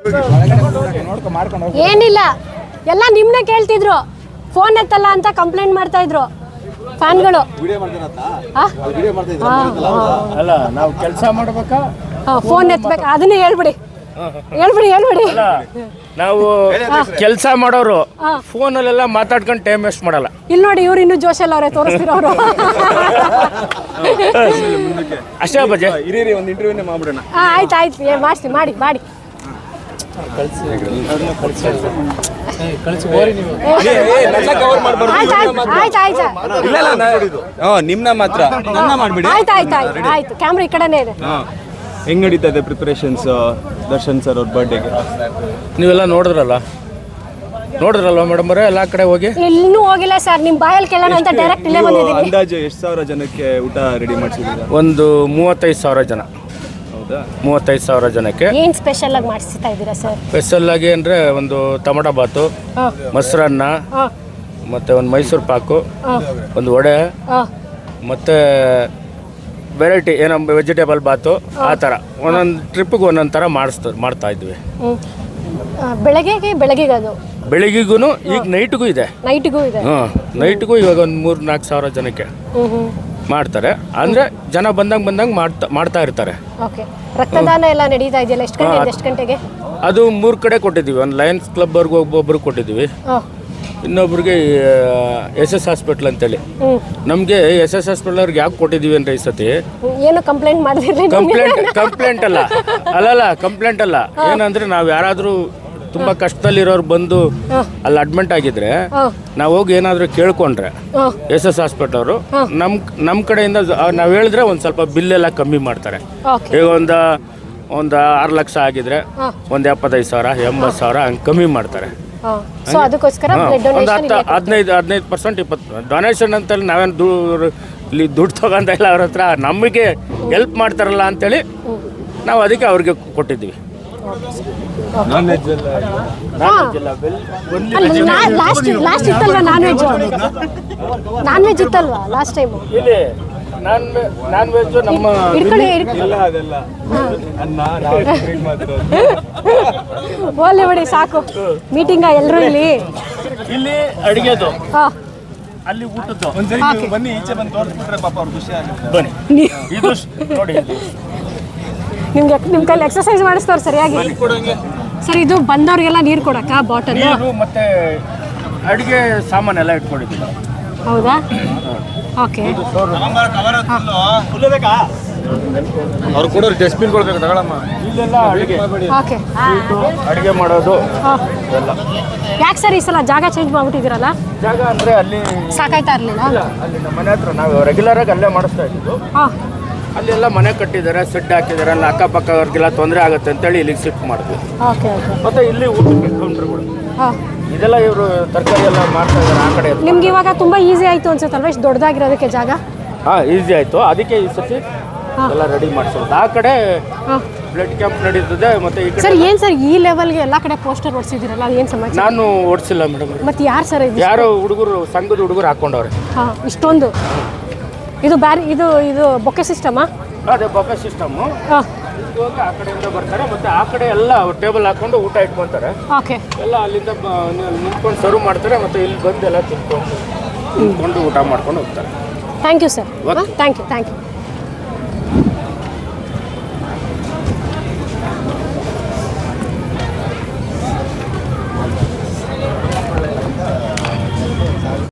ಏನಿಲ್ಲ, ಎಲ್ಲ ನಿಮ್ಮನ್ನ ಕೇಳ್ತಿದ್ರು, ಫೋನ್ ಎತ್ತಲ್ಲ ಅಂತ ಕಂಪ್ಲೇಂಟ್ ಮಾಡ್ತಾ ಇದ್ರು ಫ್ಯಾನ್ಗಳು. ಅಲ್ಲ ನಾವು ಕೆಲಸ ಮಾಡ್ಬೇಕಾ ಫೋನ್ ಎತ್ತಬೇಕಾ? ಅದನ್ನೇ ಹೇಳ್ಬಿಡಿ. ನಾವು ಕೆಲಸ ಮಾಡೋರು ಫೋನಲ್ಲೆಲ್ಲ ಮಾತಾಡ್ಕೊಂಡು ಟೈಮ್ ವೇಸ್ಟ್ ಮಾಡಲ್ಲ. ಇಲ್ಲಿ ನೋಡಿ, ಇವ್ರು ಇನ್ನೂ ಜೋಶಲ್ಲ ಅವರೇ ತೋರಿಸ್ತಿರೋರು. ಅಷ್ಟೇ ಬಜೆ ಇರೀ ಒಂದು ಇಂಟರ್ವ್ಯೂನೇ ಮಾಡ್ಬಿಡೋಣ. ಆಯ್ತು ಮಾಡಿಸಿ ಮಾಡಿ ನಿಮ್ನ ಮಾತ್ರ ಮಾಡ್ಬಿಡಿ. ಆಯ್ತು ಕ್ಯಾಮ್ರಾ ಈ ಕಡೆನೇ ಇದೆ. ಹೆಂಗ್ ನಡೀತಾ ಇದೆ ಪ್ರಿಪರೇಷನ್ಸ್ ದರ್ಶನ್ ಸರ್ ಅವ್ರ ಬರ್ಡೇಗೆ? ನೀವೆಲ್ಲ ನೋಡಿದ್ರಲ್ವಾ ಮೇಡಮ್ ಅವರೇ ಎಲ್ಲ ಕಡೆ ಹೋಗಿ? ಇನ್ನೂ ಹೋಗಿಲ್ಲ ಸರ್, ನಿಮ್ಮ ಬಾಯಲ್ಲಿ ಕೇಳೋಣ ಅಂತ ಡೈರೆಕ್ಟ್ ಇಲ್ಲೇ ಬಂದಿದ್ದೀನಿ. ಅಂದಾಜು ಎಷ್ಟು ಸಾವಿರ ಜನಕ್ಕೆ ಊಟ ರೆಡಿ ಮಾಡಿಸಿದ್ದೀರಾ? ಒಂದು 35,000 ಜನ. ಹೌದಾ? 35,000 ಜನಕ್ಕೆ. ಏನು ಸ್ಪೆಷಲ್ ಆಗಿ ಮಾಡಿಸ್ತಾ ಇದ್ದೀರಾ ಸರ್? ಸ್ಪೆಷಲ್ ಆಗಿ ಅಂದರೆ ಒಂದು ಟೊಮಟೊ ಬಾತು, ಮೊಸರನ್ನ, ಮತ್ತು ಒಂದು ಮೈಸೂರು ಪಾಕು, ಒಂದು ವಡೆ, ಮತ್ತು ವೆರೈಟಿ ಏನೋ ವೆಜಿಟೇಬಲ್ ಬಾತು, ಆ ಥರ ಒಂದೊಂದು ಟ್ರಿಪ್ಪಿಗೆ ಒಂದೊಂದು ಥರ ಮಾಡ್ತಾ ಇದ್ವಿ. ಬೆಳಗ್ಗೆ ಅದು ಬೆಳಿಗ್ಗೆಗೂ ಈಗ ನೈಟ್ಗೂ ಇದೆ. ನೈಟ್ಗೂ ಇವಾಗ ಒಂದು 3-4 ಸಾವಿರ ಜನಕ್ಕೆ ಮಾಡ್ತಾರೆ. ಅಂದರೆ ಜನ ಬಂದಂಗೆ ಮಾಡ್ತಾ ಇರ್ತಾರೆ. ರಕ್ತದಾನ ಎಲ್ಲ ನಡೀತಾ ಇದೆಯಲ್ಲ, ಎಷ್ಟು ಗಂಟೆಗೆ? ಅದು 3 ಕಡೆ ಕೊಟ್ಟಿದ್ದೀವಿ. ಒಂದು ಲಯನ್ಸ್ ಕ್ಲಬ್ವರೆಗೂ ಒಬ್ಬೊಬ್ರಿಗೆ ಕೊಟ್ಟಿದ್ದೀವಿ, ಇನ್ನೊಬ್ರಿಗೆ SS ಹಾಸ್ಪಿಟ್ಲ್ ಅಂತೇಳಿ. ನಮಗೆ SS ಹಾಸ್ಪಿಟ್ಲ್ ಅವ್ರಿಗೆ ಯಾಕೆ ಕೊಟ್ಟಿದ್ದೀವಿ ಅಂದರೆ ಈ ಸತಿ ಏನು ಕಂಪ್ಲೇಂಟ್ ಮಾಡಿದ್ರಿ? ಕಂಪ್ಲೇಂಟ್ ಅಲ್ಲ. ಏನಂದರೆ ನಾವು ಯಾರಾದರೂ ತುಂಬ ಕಷ್ಟದಲ್ಲಿರೋರು ಬಂದು ಅಲ್ಲಿ ಅಡ್ಮಿಟ್ ಆಗಿದ್ರೆ ನಾವು ಹೋಗಿ ಏನಾದರೂ ಕೇಳ್ಕೊಂಡ್ರೆ SS ಹಾಸ್ಪಿಟ್ಲ್ ಅವರು ನಮ್ಮ ಕಡೆಯಿಂದ ನಾವು ಹೇಳಿದ್ರೆ ಒಂದು ಸ್ವಲ್ಪ ಬಿಲ್ಲೆಲ್ಲ ಕಮ್ಮಿ ಮಾಡ್ತಾರೆ. ಈಗ ಒಂದು 6 ಲಕ್ಷ ಆಗಿದ್ರೆ ಒಂದು 75,000 80,000 ಹಂಗೆ ಕಮ್ಮಿ ಮಾಡ್ತಾರೆ. ಒಂದು 15% 20% ಡೊನೇಷನ್ ಅಂತೇಳಿ ನಾವೇನು ದುಡ್ಡು ತಗೊಂತ ಇಲ್ಲ ಅವ್ರ ಹತ್ರ, ನಮಗೆ ಹೆಲ್ಪ್ ಮಾಡ್ತಾರಲ್ಲ ಅಂತೇಳಿ ನಾವು ಅದಕ್ಕೆ ಅವ್ರಿಗೆ ಕೊಟ್ಟಿದ್ದೀವಿ. ಲಾಸ್ಟ್ ಇತ್ತಲ್ವಾ ನಾನ್ ವೆಜ್ ಇತ್ತಲ್ವಾ ಲಾಸ್ಟ್ ಟೈಮ್? ಇಲ್ಲಿ ನಾನ್ ವೆಜ್ ನಮ್ಮ ಓಲೆ ಬಿಡಿ ಸಾಕು. ಮೀಟಿಂಗ ಎಲ್ಲರೂ ಇಲ್ಲಿ ಅಡಿಗೆದು, ಅಲ್ಲಿ ಊಟದ್ದು. ಬನ್ನಿ ಈಚೆ ಬಂದು ತೋರಿಸ್ಬಿಟ್ರೆ ಪಾಪ ಅವ್ರು ಖುಷಿ ಆಗುತ್ತೆ. ಬನ್ನಿ ಇದು ನೋಡಿ, ನಿಮ್ಮ ಕೈಲಿ ಎಕ್ಸರ್ಸೈಸ್ ಮಾಡಿಸ್ತವ್ರು ಸರಿಯಾಗಿ. ಸರ್, ಇದು ಬಂದವ್ರಿಗೆಲ್ಲ ನೀರು ಕೊಡಕ್ಕ ಬಾಟಲ್ ಮತ್ತೆ ಅಡಿಗೆ ಸಾಮಾನೆಲ್ಲ ಇಟ್ಕೊಂಡಿದ್ದೀವಿ. ಹೌದಾ? ಓಕೆ. ಅವ್ರು ಕೊಡೋರು ಡಸ್ಟ್ಬಿನ್ ಕೊಡ್ಬೇಕು ತಗೊಳಮ್ಮ. ಇಲ್ಲೆಲ್ಲ ಅಡಿಗೆ ಮಾಡೋದು ಎಲ್ಲ. ಯಾಕೆ ಸರ್ ಈ ಸಲ ಜಾಗ ಚೇಂಜ್ ಮಾಡ್ಬಿಟ್ಟಿದ್ದೀರಲ್ಲ? ಜಾಗ ಅಂದರೆ ಅಲ್ಲಿ ಸಾಕಾಯ್ತಾ ಇರಲಿಲ್ಲ? ಅಲ್ಲಿ ನಮ್ಮ ಮನೆ ಹತ್ರ ನಾವು ರೆಗ್ಯುಲರಾಗಿ ಅಲ್ಲೇ ಮಾಡಿಸ್ತಾ ಇದ್ದೀವಿ. ಅಲ್ಲೆಲ್ಲ ಮನೆ ಕಟ್ಟಿದ್ದಾರೆ, ಸೆಡ್ ಹಾಕಿದ್ದಾರೆ. ಅಲ್ಲಿ ಅಕ್ಕಪಕ್ಕವ್ರಿಗೆಲ್ಲ ತೊಂದರೆ ಆಗುತ್ತೆ ಅಂತೇಳಿ ಇಲ್ಲಿಗೆ ಶಿಫ್ಟ್ ಮಾಡಿದ್ವಿ. ಮತ್ತೆ ಇಲ್ಲಿ ಊಟಕ್ಕೆ ಕೌಂಟರ್ಗಳು ಇದೆಲ್ಲ ಇವರು ತರಕಾರಿ ಎಲ್ಲ ಮಾಡ್ತಾ ಇದ್ದಾರೆ ಆ ಕಡೆ. ನಿಮ್ಗೆ ಇವಾಗ ತುಂಬಾ ಈಸಿ ಆಯ್ತು ಅನ್ಸುತ್ತಲ್ವಾ ಇಷ್ಟು ದೊಡ್ಡದಾಗಿರೋದಕ್ಕೆ ಜಾಗ? ಈಸಿ ಆಯ್ತು, ಅದಕ್ಕೆ ಈ ಸತಿ ಎಲ್ಲ ರೆಡಿ ಮಾಡಿಸೋದು. ಆ ಕಡೆ ಬ್ಲಡ್ ಕ್ಯಾಂಪ್ ನಡೀತದೆ. ಮತ್ತೆ ಈ ಕಡೆ ಏನ್ ಸರ್ ಈ ಲೆವೆಲ್ಗೆ ಎಲ್ಲ ಕಡೆ ಪೋಸ್ಟರ್ ಹೊಡ್ಸಿದಿರಲ್ಲ, ಅದು ಏನು ಸಮಾಚಾರ? ನಾನು ಓಡಿಸಿಲ್ಲ ಮೇಡಮ್. ಮತ್ತೆ ಯಾರು ಸರ್? ಯಾರೋ ಹುಡುಗರು, ಸಂಘದ ಹುಡುಗರು ಹಾಕೊಂಡವ್ರೆ. ಇಷ್ಟೊಂದು ಇದು ಬೊಕ್ಕೆ ಸಿಸ್ಟಮಾ? ಅದೇ ಬೊಕ್ಕೆ ಸಿಸ್ಟಮು. ಹೋಗಿ ಆ ಕಡೆಯಿಂದ ಬರ್ತಾರೆ, ಮತ್ತೆ ಆ ಕಡೆ ಎಲ್ಲ ಟೇಬಲ್ ಹಾಕೊಂಡು ಊಟ ಇಟ್ಕೊಂತಾರೆ. ಎಲ್ಲ ಅಲ್ಲಿಂದ ನಿಂತ್ಕೊಂಡು ಸರ್ವ್ ಮಾಡ್ತಾರೆ, ಮತ್ತೆ ಇಲ್ಲಿ ಬಂದು ಎಲ್ಲ ತಿನ್ಕೊಂಡು ಊಟ ಮಾಡ್ಕೊಂಡು ಹೋಗ್ತಾರೆ. Thank you sir. Thank you.